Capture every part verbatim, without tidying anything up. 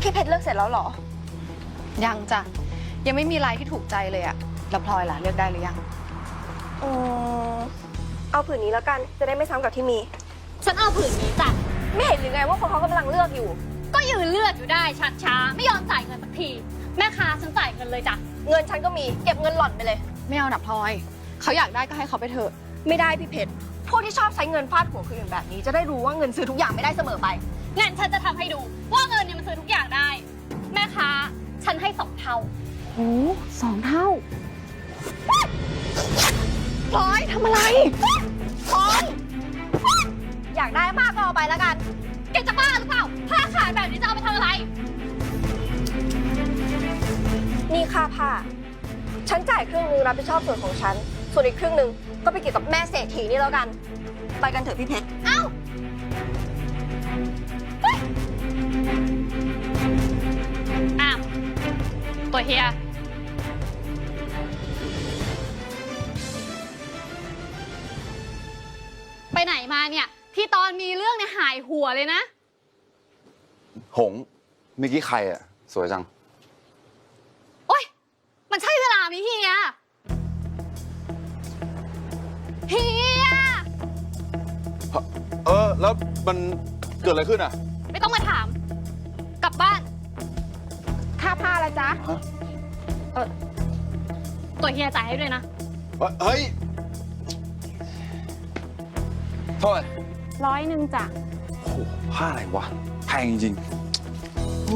พี่เพชรเลือกเสร็จแล้วเหรอยังจ้ะยังไม่มีลายที่ถูกใจเลยอะแล้วพลอยล่ะเลือกได้หรือยังอืมเอาผืนนี้แล้วกันจะได้ไม่ซ้ำกับที่มีฉันเอาผืนนี้จ้ะไม่เห็นหรือไงว่าคนเขากำลังเลือกอยู่ก็ยืนเลือกอยู่ได้ชักช้าไม่ยอมจ่ายเงินสักทีแม่ค้าฉันจ่ายเงินเลยจ้ะเงินฉันก็มีเก็บเงินหล่อนไปเลยไม่เอาหนักพลอยเขาอยากได้ก็ให้เขาไปเถอะไม่ได้พี่เพชรพวกที่ชอบใช้เงินฟาดหัวคืออย่างแบบนี้จะได้รู้ว่าเงินซื้อทุกอย่างไม่ได้เสมอไปงั้นฉันจะทำให้ดูว่าเงินเนี่ยมันซื้อทุกอย่างได้แม่ค้าฉันให้สองเท่าโอ้สองเท่าพลอยทำอะไรพลอยอยากได้มากก็เอาไปแล้วกันแกจะบ้าหรือเปล่าผ้าขาดแบบนี้จะเอาไปทำอะไรนี่ค่าผ้าฉันจ่ายครึ่งนึงรับผิดชอบส่วนของฉันส่วนอีกครึ่งนึงก็ไปเกี่ยวกับแม่เศรษฐีนี่แล้วกันไปกันเถอะพี่เพชรเอ้าอ้าวตัวเฮียไปไหนมาเนี่ยที่ตอนมีเรื่องเนี่ยหายหัวเลยนะหงเมื่อกี้ใครอ่ะสวยจังโอ๊ยมันใช่เวลาไหมเฮียเฮียเออแล้วมันเกิดอะไรขึ้นอ่ะไม่ต้องมาถามกลับบ้านค่าผ้าละจ๊ะเออตัวเฮียจ่ายให้ด้วยนะเฮ้ยเท่าไหร่ร้อยหนึ่งจ้ะโอ้โหผ้าอะไรวะแพงจริงๆ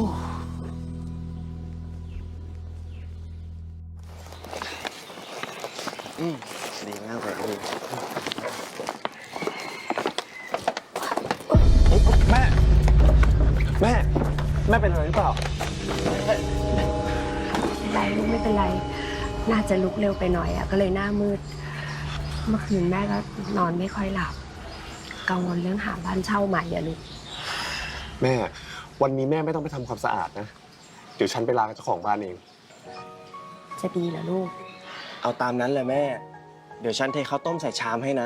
อืมดีมากเลยพี่แม่ แม่ แม่เป็นอะไรหรือเปล่าไม่เป็นไรลูกไม่เป็นไรน่าจะลุกเร็วไปหน่อยอะก็เลยหน้ามืดเมื่อคืนแม่ก็นอนไม่ค่อยหลับกังวลเรื่องหาบ้านเช่าใหม่อะลูกแม่วันนี้แม่ไม่ต้องไปทำความสะอาดนะเดี๋ยวฉันไปลาเจ้าของบ้านเองจะดีเหรอลูกเอาตามนั้นเลยแม่เดี๋ยวฉันเทข้าวต้มใส่ชามให้นะ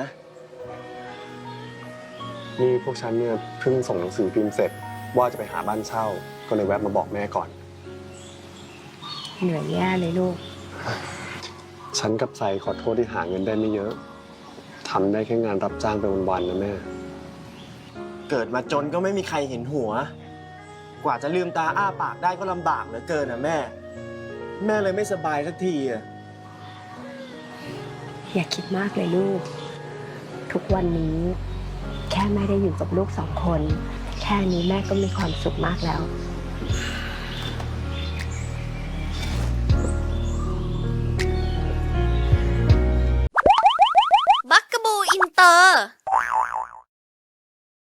นี่พวกฉันเนี่ยเพิ่งส่งหนังสือพิมพ์เสร็จว่าจะไปหาบ้านเช่าก็เลยแวะมาบอกแม่ก่อนเหนื่อยแย่เลยลูกฉันกับไซขอโทษที่หาเงินได้ไม่เยอะทำได้แค่งานรับจ้างไปวันๆนะแม่เกิดมาจนก็ไม่มีใครเห็นหัวกว่าจะลืมตาอ้าปากได้ก็ลำบากเหลือเกินนะแม่แม่เลยไม่สบายสักทีอะอย่าคิดมากเลยลูกทุกวันนี้แค่แม่ได้อยู่กับลูกสองคนแค่นี้แม่ก็มีความสุขมากแล้วบักกะบูอินเตอร์